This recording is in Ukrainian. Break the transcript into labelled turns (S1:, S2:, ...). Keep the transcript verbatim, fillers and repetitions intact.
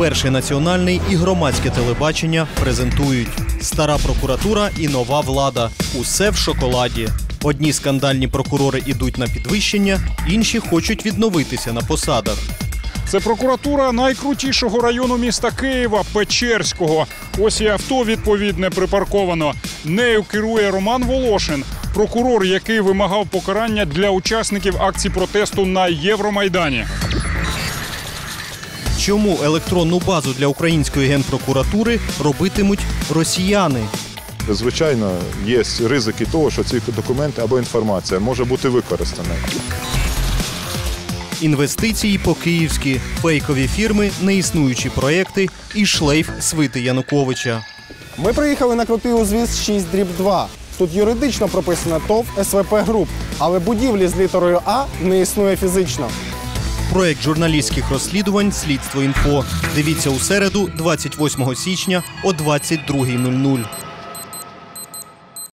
S1: Перший національний і громадське телебачення презентують. Стара прокуратура і нова влада. Усе в шоколаді. Одні скандальні прокурори ідуть на підвищення, інші хочуть відновитися на посадах.
S2: Це прокуратура найкрутішого району міста Києва – Печерського. Ось і авто відповідне припарковано. Нею керує Роман Волошин, прокурор, який вимагав покарання для учасників акцій протесту на Євромайдані.
S1: Чому електронну базу для української генпрокуратури робитимуть росіяни?
S3: Звичайно, є ризики того, що ці документи або інформація може бути використана.
S1: Інвестиції по-київськи, фейкові фірми, неіснуючі проекти і шлейф свити Януковича.
S4: Ми приїхали на крутий узвіз шість дріб два. Тут юридично прописано ТОВ СВП Груп, але будівлі з літерою А не існує фізично.
S1: Проект журналістських розслідувань «Слідство інфо». Дивіться у середу, двадцять восьмого січня о двадцять другій нуль нуль.